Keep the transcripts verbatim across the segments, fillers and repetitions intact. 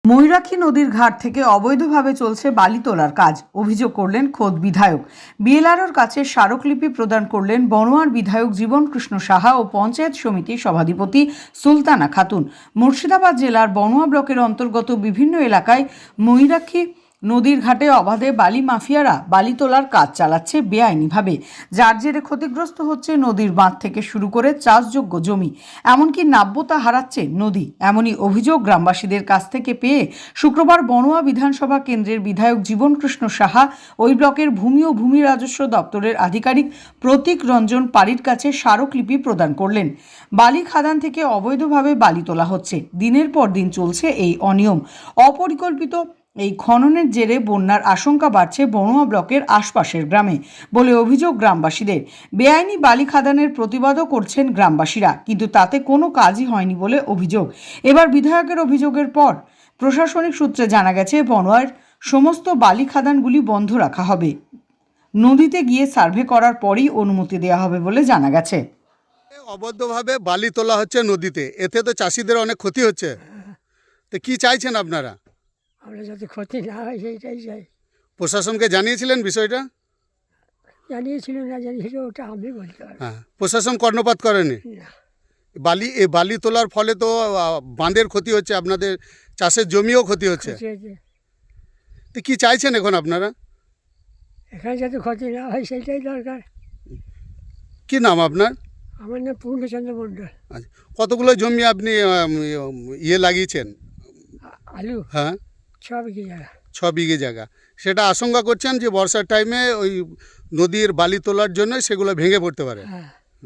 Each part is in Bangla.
ময়ূরাক্ষী নদীর ঘাট থেকে অবৈধভাবে চলছে বালি তোলার কাজ, অভিযোগ করলেন খোদ বিধায়ক। বিএলআরওর কাছে স্মারকলিপি প্রদান করলেন বনোয়ার বিধায়ক জীবন কৃষ্ণ সাহা ও পঞ্চায়েত সমিতির সভাধিপতি সুলতানা খাতুন। মুর্শিদাবাদ জেলার বনোয়া ব্লকের অন্তর্গত বিভিন্ন এলাকায় ময়ূরাক্ষী নদীর ঘাটে অবাধে বালি মাফিয়ারা বালি তোলার কাজ চালাচ্ছে বেআইনিভাবে, যার জেরে ক্ষতিগ্রস্ত হচ্ছে নদীর বাঁধ থেকে শুরু করে চাষযোগ্য জমি, এমনকি নাব্যতা হারাচ্ছে নদী। এমনই অভিযোগ গ্রামবাসীদের কাছ থেকে পেয়ে শুক্রবার বনোয়া বিধানসভা কেন্দ্রের বিধায়ক জীবন কৃষ্ণ সাহা ওই ব্লকের ভূমি ও ভূমি রাজস্ব দপ্তরের আধিকারিক প্রতীক রঞ্জন পাড়ির কাছে স্মারকলিপি প্রদান করলেন। বালি খাদান থেকে অবৈধভাবে বালি তোলা হচ্ছে, দিনের পর দিন চলছে এই অনিয়ম। অপরিকল্পিত এই খননের জেরে বন্যার আশঙ্কা বাড়ছে বনোয়া ব্লকের আশপাশের গ্রামে বলে অভিযোগ গ্রামবাসীদের। বেআইনি বালি খাদানের প্রতিবাদও করছেন গ্রামবাসীরা, কিন্তু তাতে কোনো কাজই হয়নি বলে অভিযোগ। এবার বিধায়কের অভিযোগের পর প্রশাসনিক সূত্রে জানা গেছে বনোয়ার সমস্ত বালি খাদানগুলি বন্ধ রাখা হবে। নদীতে গিয়ে সার্ভে করার পরই অনুমতি দেওয়া হবে বলে জানা গেছে। অবৈধভাবে বালি তোলা হচ্ছে নদীতে, এতে তো চাষিদের অনেক ক্ষতি হচ্ছে। তো কি চাইছেন আপনারা? আমরা যাতে ক্ষতি না হয় সেইটাই চাই। প্রশাসনকে জানিয়েছিলেন বিষয়টা? জানিয়েছিল না জানিয়েছিল ওটা আমি বলতে পারবো হ্যাঁ, প্রশাসন কর্ণপাত করেনি। না। বালি এই বালি তোলার ফলে তো আহ, বাঁধের ক্ষতি হচ্ছে, আপনাদের চাষের জমিও ক্ষতি হচ্ছে। ক্ষতি হয়েছে। তো কি চাইছেন এখন আপনারা? এখানে যাতে ক্ষতি না হয় সেইটাই দরকার। কি নাম আপনার? আমার নাম পূর্ণচন্দ্র মণ্ডল। আচ্ছা, কতগুলো জমি আপনি আম, ইয়ে লাগিয়েছেন? আ- আলু হ্যাঁ, ছ বিঘে জায়গা। ছ বিঘে জায়গা। সেটা আশঙ্কা করছেন যে বর্ষার টাইমে ওই নদীর বালি তোলার জন্য সেগুলো ভেঙে পড়তে পারে। হ্যাঁ।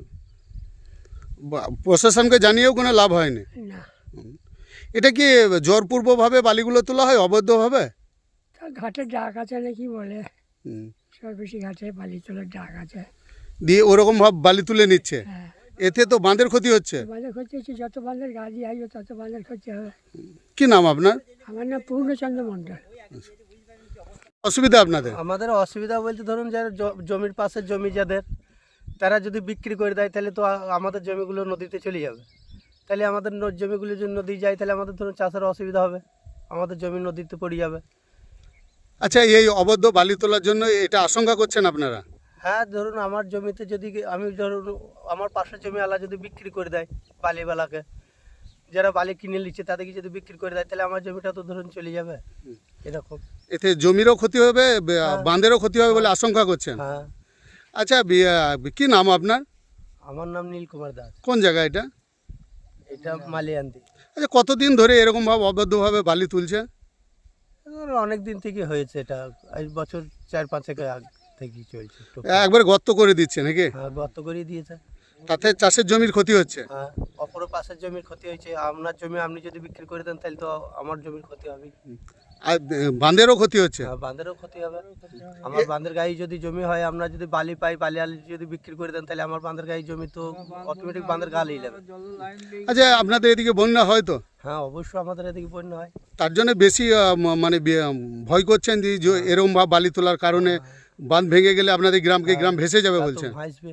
বা- প্রশাসনকে জানিয়েও কোনো লাভ হয়নি। না, এটা কি জোরপূর্বকভাবে বালিগুলো তোলা হয় অবৈধভাবে? তা ঘাটের ডাক আছে নাকি বলে, হুম। সব বেশি ঘাটে বালি তোলার ডাক আছে। দিয়ে ওরকম ভাবে বালি তুলে নিচ্ছে, হ্যাঁ, এতে তো বাঁধের ক্ষতি হচ্ছে। বাঁধের ক্ষতি হচ্ছে, যত বাঁধের গাড়ি আসবে তত বাঁধের ক্ষতি হবে। কি নাম আপনার? আমার নাম পূর্ণচন্দ্র মণ্ডল। অসুবিধা আপনাদের? আমাদের অসুবিধা বলতে ধরুন যারা জ- জমির পাশে জমি যাদের, তারা যদি বিক্রি করে দেয় তাহলে তো আ- আমাদের জমিগুলো নদীতে চলে যাবে। তাহলে আমাদের ন- জমিগুলো যদি নদী যায় তাহলে আমাদের ধরুন চাষের অসুবিধা হবে, আমাদের জমি নদীতে পড়ে যাবে। আচ্ছা, এই অবৈধ বালি তোলার জন্য এটা আশঙ্কা করছেন আপনারা? হ্যাঁ, ধরুন আমার জমিতে যদি কি- আমি ধরুন আমার পাশের জমিওয়ালা যদি বিক্রি করে দেয় বালিওয়ালাকে, যারা বালি কিনে নিচ্ছে তাদেরকে যদি বিক্রি করে দেয় তাহলে আমার জমিটা তো ধরুন চলে যাবে এরকম। এতে জমিরও ক্ষতি হবে, বে- বাঁধেরও ক্ষতি হবে বলে আশঙ্কা করছেন। হ্যাঁ, আচ্ছা, বি- কি নাম আপনার? আমার নাম নীল কুমার দাস। কোন জায়গা এটা? এটা মালিয়ান্দি। আচ্ছা, কতদিন ধরে এরকমভাবে অবৈধভাবে বালি তুলছে? অনেক দিন থেকে হয়েছে এটা, এই বছর চার পাঁচেক আগ থেকেই চলছে। একবার গর্ত করে দিচ্ছে নাকি? হ্যাঁ, গর্ত করে দিয়েছে। তাতে চাষের জমির ক্ষতি হচ্ছে। হ্যাঁ, অপর পাশের জমির ক্ষতি হয়েছে। আপনার জমি আপনি যদি বিক্রি করে দেন তাহলে তো আমার জমির ক্ষতি হবে। আর বাঁধেরও ক্ষতি হচ্ছে। হ্যাঁ, বাঁধেরও ক্ষতি হবে। আমার বাঁধের গায়ে যদি জমি হয়, আমরা যদি বালি পাই, বালি আলি যদি বিক্রি করে দেন তাহলে আমার বাঁধের গায়ে জমি তো অটোমেটিক বাঁধের গা লিয়ে যাবে। আচ্ছা, আপনাদের এদিকে বন্যা হয় তো, হ্যাঁ, অবশ্যই আমাদের এদিকে বন্যা হয়। তার জন্য বেশি আহ, ম- মানে বে- ভয় করছেন যে যে এরকম ভাবে বালি তোলার কারণে বাঁধ ভেঙে গেলে আপনাদের গ্রামকে গ্রাম ভেসে যাবে তা তো বলছেন। ভাসবে।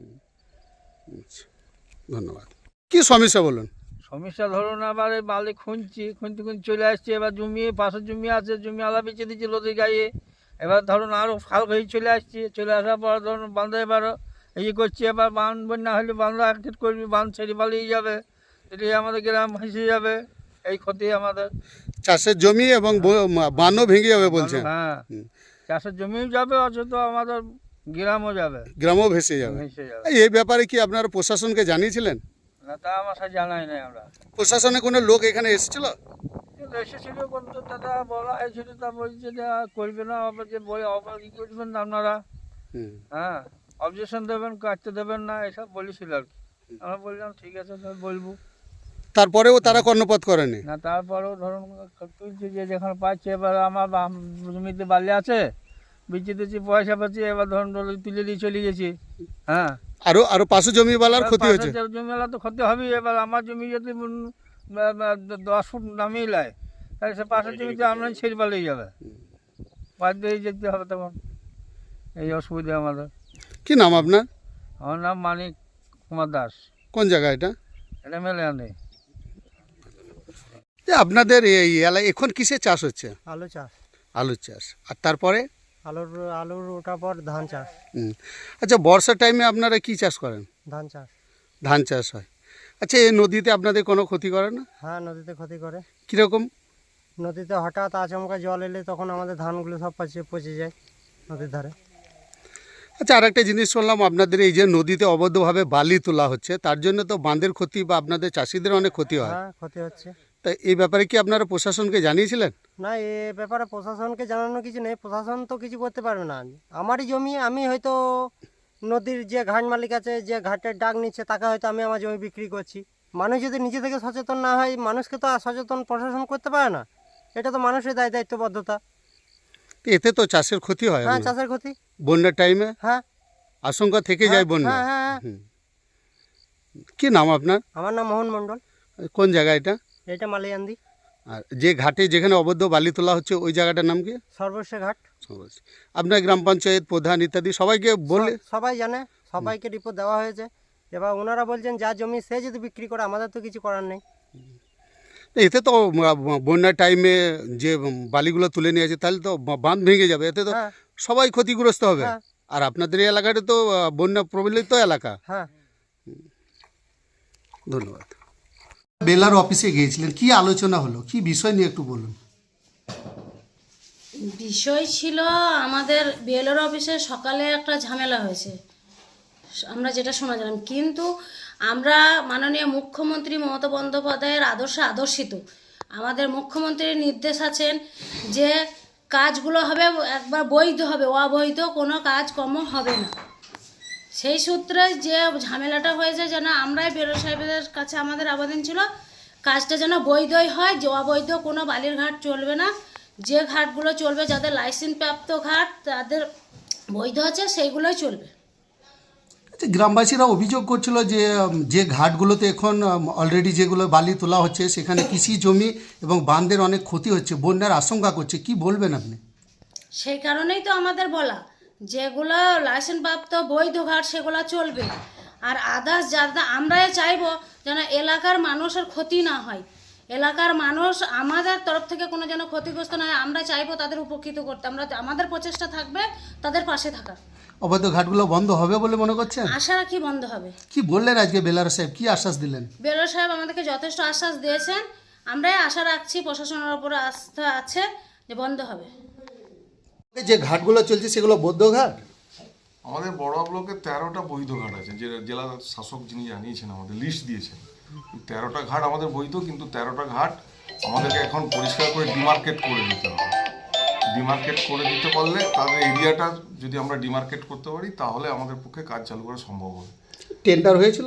ধন্যবাদ। কি সমস্যা বলুন? সমস্যা ধরুন আবার এই বালি খুঁজছি, খুঁজতে খুঁজতে চলে আসছে। এবার জমি পাশের জমি আছে, জমি আলা বেঁচে দিচ্ছে নদীর গায়ে। এবার ধরুন আরও ফাল হয়ে চলে আসছে, চলে আসার পর ধরুন বাঁধে এবারও এই করছে। এবার বাঁধ বন্যা হলে বাঁধা একটিট করবি, বাঁধ ছেড়ে পালিয়ে যাবে, এটি আমাদের গ্রাম ভেসে যাবে। এই ক্ষতি আমাদের। চাষের জমি এবং ব- মা- বানও ভেঙে যাবে বলছেন। হ্যাঁ, হুম। চাষের জমিও যাবে, অথচ আমাদের গ্রামও যাবে, গ্রামও ভেসে যাবে। ভেসে যাবে। এই ব্যাপারে কি আপনারা প্রশাসনকে জানিয়েছিলেন? না, তা আমার সাথে জানাই নাই আমরা। প্রশাসনে কোনো লোক এখানে এসেছিল? কিন্তু এসেছিল কিন্তু দাদা বলা হয়েছিল, তা বলছে যে আর করবে না, আবার যে বই আবার ই করবেন না আপনারা। হুম। হ্যাঁ, অবজেকশন দেবেন, কাটতে দেবেন না, এসব বলেছিল আর কি। আমরা বললাম ঠিক আছে স্যার, বলবো তারপরেও তারা কর্ণপাত করেনি। না। তারপরেও ধরুন তুলছে যে যেখানে পাচ্ছে, এবার আমার বাম জমিতে বালি আছে, বিচে দিচ্ছি, পয়সা পাচ্ছি, এবার ধরুন ধরুন তুলে দিয়ে চলে গেছি। হ্যাঁ, আরো আরো পাশে জমিওয়ালার ক্ষতি হয়েছে। পাশের জমিওয়ালা তো ক্ষতি হবেই। এবার আমার জমি যদি উম, বা- বা দশ ফুট নামিয়ে নেয় তাহলে সে পাশের জমিতে আমরা ছেড়ে পালিয়ে যাবে, বাদ দিয়ে যেতে হবে তখন। এই অসুবিধা আমাদের। কি নাম আপনার? আমার নাম মানিক কুমার দাস। কোন জায়গা এটা? এটা মেলে আনে। যে আপনাদের এই এলাকায় এখন কিসের চাষ হচ্ছে? আলু চাষ, আলুর চাষ। আর তারপরে আলুর আলুর ওঠার পর ধান চাষ, হুম, আচ্ছা বর্ষার টাইমে আপনারা কি চাষ করেন? ধান চাষ। ধান চাষ হয়। আচ্ছা এই নদীতে আপনাদের কোনো ক্ষতি করে না? হ্যাঁ, নদীতে ক্ষতি করে। কীরকম? নদীতে হঠাৎ আচমকা জল এলে তখন আমাদের ধানগুলো সব পচে পচে যায় নদীর ধারে। আচ্ছা আর একটা জিনিস শুনলাম আপনাদের এই যে নদীতে অবৈধভাবে বালি তোলা হচ্ছে তার জন্য তো বাঁধের ক্ষতি বা আপনাদের চাষিদের অনেক ক্ষতি হয়। হ্যাঁ, ক্ষতি হচ্ছে। তা এই ব্যাপারে কি আপনারা প্রশাসনকে জানিয়েছিলেন? না, এ ব্যাপারে প্রশাসনকে জানানো কিছু নেই, প্রশাসন তো কিছু করতে পারবে না। আমারই জমি, আমি হয়তো নদীর যে ঘাট মালিক আছে, যে ঘাটের ডাক নিচ্ছে, তাকে হয়তো আমি আমার জমি বিক্রি করছি। মানুষ যদি নিজে থেকে সচেতন না হয়, মানুষকে তো আর সচেতন প্রশাসন করতে পারে না। এটা তো মানুষের দায় দায়িত্ববদ্ধতা। তো এতে তো চাষের ক্ষতি হয়। হ্যাঁ, চাষের ক্ষতি। বন্যার টাইমে হ্যাঁ, আশঙ্কা থেকে যায় বন্যা। হ্যাঁ হ্যাঁ হ্যাঁ। হুম। কি নাম আপনার? আমার নাম মোহন মণ্ডল। কোন জায়গা এটা? এটা মালিয়ান্দি আর যে ঘাটে যেখানে অবৈধ বালি তোলা হচ্ছে ওই জায়গাটার নাম কি? সর্বস্ব ঘাট। আপনার গ্রাম পঞ্চায়েত প্রধান ইত্যাদি সবাইকে বলে? স- সবাই জানে, সবাইকে রিপোর্ট দেওয়া হয়েছে। এবার ওনারা বলছেন যা জমি সে যদি বিক্রি করে, আমাদের তো কিছু করার নেই। এতে তো আহ, বন্যার টাইমে যে বালিগুলো তুলে নিয়ে আছে তাহলে তো বা- বাঁধ ভেঙে যাবে, এতে তো হ্যাঁ সবাই ক্ষতিগ্রস্ত হবে। হ্যাঁ আর আপনাদের এই এলাকাটা তো আহ, বন্যা প্রবলিত এলাকা। হ্যাঁ। ধন্যবাদ। বেলার অফিসে গিয়েছিলেন, কি আলোচনা হলো, কি বিষয় নিয়ে একটু বলুন। বিষয় ছিল আমাদের বিএলআর অফিসে সকালে একটা ঝামেলা হয়েছে, আমরা যেটা শোনা গেলাম, কিন্তু আমরা মাননীয় মুখ্যমন্ত্রী মমতা বন্দ্যোপাধ্যায়ের আদর্শে আদর্শিত। আমাদের মুখ্যমন্ত্রীর নির্দেশ আছেন যে কাজগুলো হবে একবার বৈধ হবে, অবৈধ কোনো কাজকর্ম হবে না। সেই সূত্রে যে ঝামেলাটা হয়েছে, যেন আমরাই বিএলআর সাহেবের কাছে আমাদের আবেদন ছিল কাজটা যেন বৈধই হয়, যে অবৈধ কোনো বালির ঘাট চলবে না। যে ঘাটগুলো চলবে, যাদের লাইসেন্স প্রাপ্ত ঘাট, তাদের বৈধ আছে, সেইগুলোই চলবে। আচ্ছা, গ্রামবাসীরা অভিযোগ করছিল যে উম, যে ঘাটগুলোতে এখন অলরেডি যেগুলো বালি তোলা হচ্ছে সেখানে কৃষি জমি এবং বাঁধের অনেক ক্ষতি হচ্ছে, বন্যার আশঙ্কা করছে, কি বলবেন আপনি? সেই কারণেই তো আমাদের বলা, যেগুলো লাইসেন্স প্রাপ্ত বৈধ ঘাট সেগুলো চলবে। আর আদার্স যারা, আমরাই চাইবো যেন এলাকার মানুষের ক্ষতি না হয়, এলাকার মানুষ আমাদের তরফ থেকে কোনো যেন ক্ষতিগ্রস্ত না হয়, আমরা চাইবো তাদের উপকৃত করতে। আমরা আমাদের প্রচেষ্টা থাকবে তাদের পাশে থাকার। অবৈধ ঘাটগুলো বন্ধ হবে বলে মনে করছেন? আশা রাখি বন্ধ হবে। কি বললেন আজকে বেলার সাহেব, কি আশ্বাস দিলেন? বিএলআর সাহেব আমাদেরকে যথেষ্ট আশ্বাস দিয়েছেন, আমরাই আশা রাখছি, প্রশাসনের উপরে আস্থা আছে যে বন্ধ হবে। যে ঘাটগুলো চলছে সেগুলো বৌদ্ধ ঘাট? আমাদের বড়োয়া ব্লকে তেরোটা বৈধ ঘাট আছে, যে জেলা শাসক যিনি জানিয়েছেন, আমাদের লিস্ট দিয়েছেন। তেরোটা ঘাট আমাদের বৈধ, কিন্তু তেরোটা ঘাট আমাদেরকে এখন পরিষ্কার করে ডিমার্কেট করে দিতে হবে। ডিমার্কেট করে দিতে পারলে তাদের এরিয়াটা যদি আমরা ডিমার্কেট করতে পারি, তাহলে আমাদের পক্ষে কাজ চালু করা সম্ভব হবে। টেন্ডার হয়েছিল?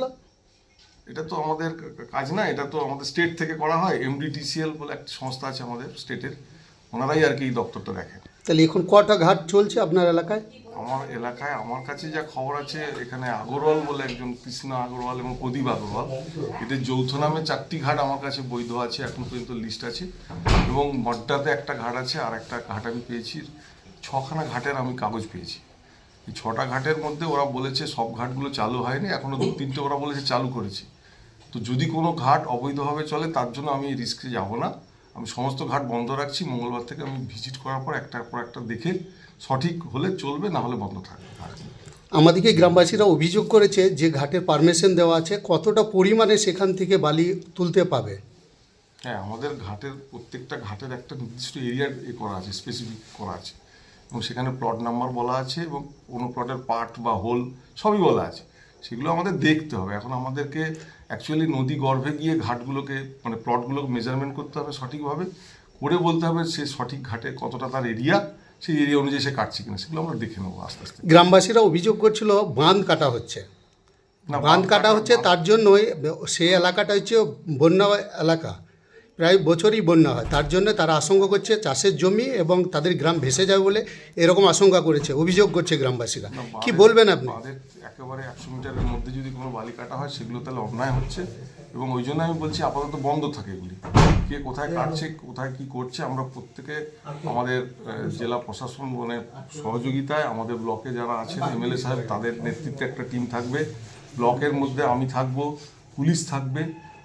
এটা তো আমাদের কাজ না, এটা তো আমাদের স্টেট থেকে করা হয়। এমডিটিসিএল বলে একটা সংস্থা আছে আমাদের স্টেটের, ওনারাই আর কি এই দপ্তরটা দেখেন। তাহলে এখন কটা ঘাট চলছে আপনার এলাকায়? আমার এলাকায় আমার কাছে যা খবর আছে, এখানে আগরওয়াল বলে একজন, কৃষ্ণ আগরওয়াল এবং প্রদীপ আগরওয়াল, এদের যৌথ নামে চারটি ঘাট আমার কাছে বৈধ আছে, এখন পর্যন্ত লিস্ট আছে। এবং মড্ডাতে একটা ঘাট আছে, আর একটা ঘাট আমি পেয়েছি, ছখানা ঘাটের আমি কাগজ পেয়েছি। এই ছটা ঘাটের মধ্যে ওরা বলেছে সব ঘাটগুলো চালু হয়নি, এখনও দু তিনটে ওরা বলেছে চালু করেছে। তো যদি কোনো ঘাট অবৈধভাবে চলে, তার জন্য আমি এই রিস্কে যাব না। আমি সমস্ত ঘাট বন্ধ রাখছি। মঙ্গলবার থেকে আমি ভিজিট করার পর একটার পর একটা দেখে সঠিক হলে চলবে, না হলে বন্ধ থাকবে। আমাদেরকে গ্রামবাসীরা অভিযোগ করেছে যে ঘাটের পারমিশন দেওয়া আছে, কতটা পরিমাণে সেখান থেকে বালি তুলতে পাবে? হ্যাঁ, আমাদের ঘাটের প্রত্যেকটা ঘাটের একটা নির্দিষ্ট এরিয়া এ করা আছে, স্পেসিফিক করা আছে, এবং সেখানে প্লট নাম্বার বলা আছে, এবং কোনো প্লটের পার্ট বা হোল সবই বলা আছে। সেগুলো আমাদের দেখতে হবে। এখন আমাদেরকে অ্যাকচুয়ালি নদী গর্ভে গিয়ে ঘাটগুলোকে, মানে প্লটগুলোকে মেজারমেন্ট করতে হবে সঠিকভাবে, করে বলতে হবে সে সঠিক ঘাটে কতটা তার এরিয়া, সেই এরিয়া অনুযায়ী সে কাটছে কিনা, সেগুলো আমরা দেখে নেবো আস্তে আস্তে। গ্রামবাসীরা অভিযোগ করছিল বাঁধ কাটা হচ্ছে, না, বাঁধ কাটা হচ্ছে, তার জন্যই সেই এলাকাটা হচ্ছে বন্যা এলাকা, প্রায় বছরই বন্যা হয়, তার জন্য তারা আশঙ্কা করছে চাষের জমি এবং তাদের গ্রাম ভেসে যাবে বলে এরকম আশঙ্কা করেছে, অভিযোগ করছে গ্রামবাসীরা। কি বলবেন আপনি? বাঁধের একেবারে একশো মিটারের মধ্যে যদি কোনো বালি কাটা হয়, সেগুলো তাহলে অন্যায় হচ্ছে, এবং ওই জন্য আমি বলছি আপাতত বন্ধ থাকে এগুলি। কে কোথায় কাটছে, কোথায় কি করছে, আমরা প্রত্যেকে আমাদের আহ, জেলা প্রশাসন মানে সহযোগিতায়, আমাদের ব্লকে যারা আছেন এমএলএ সাহেব, তাদের নেতৃত্বে একটা টিম থাকবে। ব্লকের মধ্যে আমি থাকবো, পুলিশ থাকবে,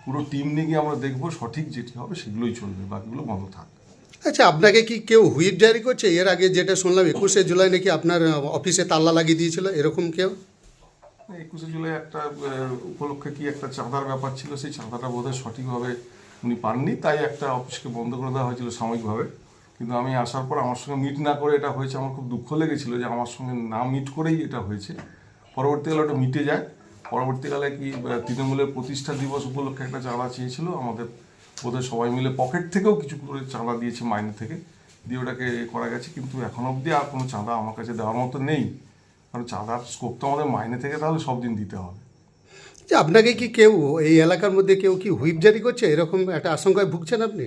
পুরো টিম নিয়ে গিয়ে আমরা দেখবো সঠিক যেটি হবে সেগুলোই চলবে, বাকিগুলো বন্ধ থাকবে। আচ্ছা, আপনাকে কি কেউ হুইপ জারি করছে? এর আগে যেটা শুনলাম একুশে জুলাই নাকি আপনার অফিসে তাল্লা লাগিয়ে দিয়েছিল, এরকম কেউ? একুশে জুলাই একটা আহ, উপলক্ষে কি একটা চাঁদার ব্যাপার ছিল, সেই চাঁদাটা বোধহয় সঠিকভাবে উনি পাননি, তাই একটা অফিসকে বন্ধ করে দেওয়া হয়েছিল সাময়িকভাবে। কিন্তু আমি আসার পর আমার সঙ্গে মিট না করে এটা হয়েছে, আমার খুব দুঃখ লেগেছিল যে আমার সঙ্গে না মিট করেই এটা হয়েছে। পরবর্তীকালে ওটা মিটে যায়। পরবর্তীকালে কি আহ, তৃণমূলের প্রতিষ্ঠা দিবস উপলক্ষে একটা চাঁদা চেয়েছিল, আমাদের বোধহয় সবাই মিলে পকেট থেকেও কিছু করে চাঁদা দিয়েছে, মাইনে থেকে দিয়ে ওটাকে এ করা গেছে। কিন্তু এখন অবধি আর কোনো চাঁদা আমার কাছে দেওয়ার মতো নেই, কারণ চাঁদার স্কোপ তো আমাদের মাইনে থেকে তাহলে সব দিন দিতে হবে। যে আপনাকে কি কেউ এই এলাকার মধ্যে কেউ কি হুইপ জারি করছে, এরকম একটা আশঙ্কায় ভুগছেন আপনি?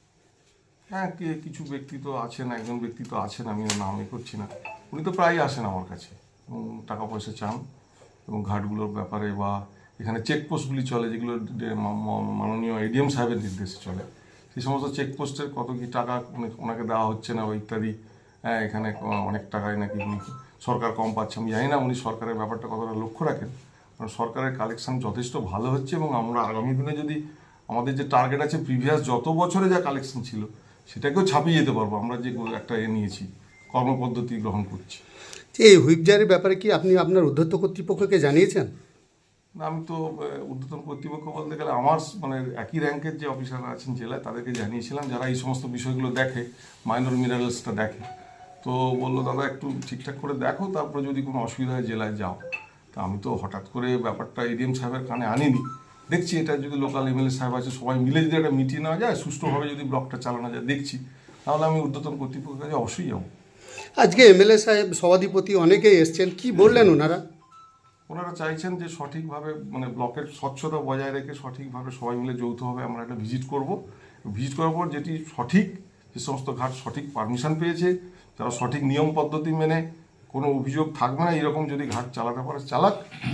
হ্যাঁ, কে কিছু ব্যক্তি তো আছেন, একজন ব্যক্তি তো আছেন, আমি ওর নাম এ করছি না, উনি তো প্রায়ই আসেন আমার কাছে এবং টাকা পয়সা চান এবং ঘাটগুলোর ব্যাপারে বা এখানে চেকপোস্টগুলি চলে যেগুলো ডে- মা- মা- মাননীয় এডিএম সাহেবের নির্দেশে চলে, সেই সমস্ত চেকপোস্টের কত কি টাকা উনি- ওনাকে দেওয়া হচ্ছে না বা ইত্যাদি। হ্যাঁ, এখানে অনেক টাকায় নাকি উনি সরকার কম পাচ্ছে, আমি জানি না উনি সরকারের ব্যাপারটা কতটা লক্ষ্য রাখেন, কারণ সরকারের কালেকশন যথেষ্ট ভালো হচ্ছে এবং আমরা আগামী দিনে যদি আমাদের যে টার্গেট আছে প্রিভিয়াস যত বছরে যা কালেকশন ছিল সেটাকেও ছাপিয়ে যেতে পারবো, আমরা যে একটা এ নিয়েছি, কর্মপদ্ধতি গ্রহণ করছি। যে এই হুইপ জারির ব্যাপারে কি আপনি আপনার উদ্ধত্ত কর্তৃপক্ষকে জানিয়েছেন? না, আমি তো আহ, ঊর্ধ্বতন কর্তৃপক্ষ বলতে গেলে আমার স- মানে একই র্যাঙ্কের যে অফিসাররা আছেন জেলায় তাদেরকে জানিয়েছিলাম, যারা এই সমস্ত বিষয়গুলো দেখে, মাইনর মিনারেলসটা দেখে। তো বললো দাদা একটু ঠিকঠাক করে দেখো, তারপরে যদি কোনো অসুবিধা হয় জেলায় যাও। তা আমি তো হঠাৎ করে ব্যাপারটা এডিএম সাহেবের কানে আনিনি, দেখছি এটা যদি লোকাল এমএলএ সাহেব আছে সবাই মিলে যদি একটা মিটিয়ে নেওয়া যায়, সুষ্ঠুভাবে যদি ব্লকটা চালানো যায় দেখছি, তাহলে আমি ঊর্ধ্বতন কর্তৃপক্ষের কাছে অবশ্যই যাবো। আজকে এমএলএ সাহেব, সভাধিপতি অনেকেই এসছেন, কি বললেন ওনারা? ওনারা চাইছেন যে সঠিকভাবে মানে ব্লকের স্বচ্ছতা বজায় রেখে সঠিকভাবে সবাই মিলে যৌথভাবে আমরা একটা ভিজিট করব। ভিজিট করার পর যেটি সঠিক, যে সমস্ত ঘাট সঠিক পারমিশন পেয়েছে, যারা সঠিক নিয়ম পদ্ধতি মেনে কোনো অভিযোগ থাকবে না এরকম যদি ঘাট চালাতে পারে চালাক,